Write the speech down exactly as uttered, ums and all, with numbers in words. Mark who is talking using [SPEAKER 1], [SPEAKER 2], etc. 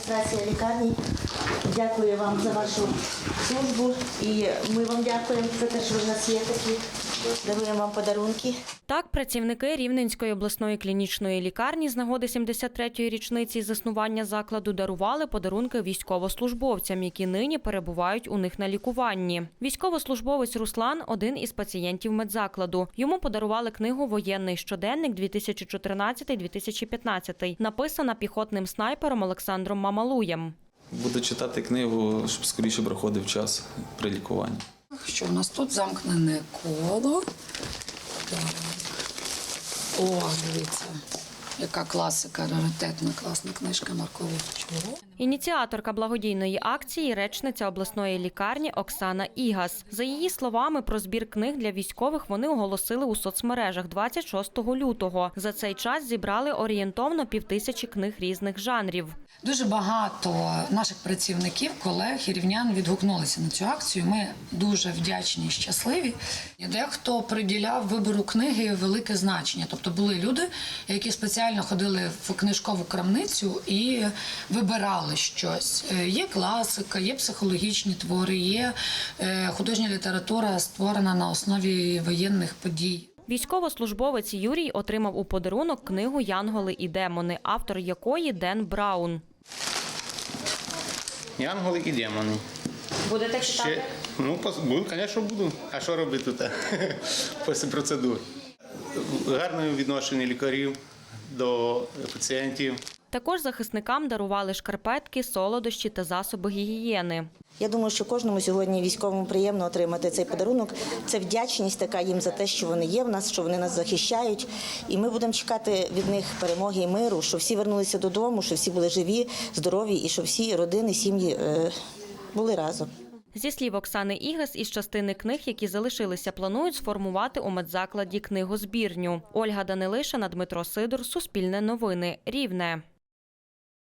[SPEAKER 1] адміністрація лікарні дякує вам за вашу службу і ми вам дякуємо за те, що ви в нас є такі. Даруємо вам подарунки.
[SPEAKER 2] Так, працівники Рівненської обласної клінічної лікарні з нагоди сімдесят третьої річниці заснування закладу дарували подарунки військовослужбовцям, які нині перебувають у них на лікуванні. Військовослужбовець Руслан – один із пацієнтів медзакладу. Йому подарували книгу «Воєнний щоденник дві тисячі чотирнадцятий - дві тисячі п'ятнадцятий», написана піхотним снайпером Олександром Мамалуєм.
[SPEAKER 3] Буду читати книгу, щоб скоріше проходив час при лікуванні.
[SPEAKER 4] Що у нас тут замкнене коло. О, дивіться, яка класика, раритетна, класна книжка Марко Вовчого.
[SPEAKER 2] Ініціаторка благодійної акції – речниця обласної лікарні Оксана Ігас. За її словами, про збір книг для військових вони оголосили у соцмережах двадцять шостого лютого. За цей час зібрали орієнтовно півтисячі книг різних жанрів.
[SPEAKER 4] Дуже багато наших працівників, колег і рівнян відгукнулися на цю акцію. Ми дуже вдячні і щасливі. Дехто приділяв вибору книги велике значення. Тобто були люди, які спеціально ходили в книжкову крамницю і вибирали щось. Є класика, є психологічні твори, є художня література, створена на основі воєнних подій.
[SPEAKER 2] Військовослужбовець Юрій отримав у подарунок книгу «Янголи і демони», автор якої Ден Браун.
[SPEAKER 5] Янголи і демони.
[SPEAKER 2] Будете читати?
[SPEAKER 5] Ще, ну, буду, звісно, буду. А що робити тут після процедур? Гарне відношення лікарів до пацієнтів.
[SPEAKER 2] Також захисникам дарували шкарпетки, солодощі та засоби гігієни.
[SPEAKER 1] Я думаю, що кожному сьогодні військовому приємно отримати цей подарунок. Це вдячність така їм за те, що вони є в нас, що вони нас захищають. І ми будемо чекати від них перемоги і миру, щоб всі вернулися додому, щоб всі були живі, здорові і щоб всі родини, сім'ї е, були разом.
[SPEAKER 2] Зі слів Оксани Ігас, із частини книг, які залишилися, планують сформувати у медзакладі книгозбірню. Ольга Данилишина, Дмитро Сидор, Суспільне новини, Рівне.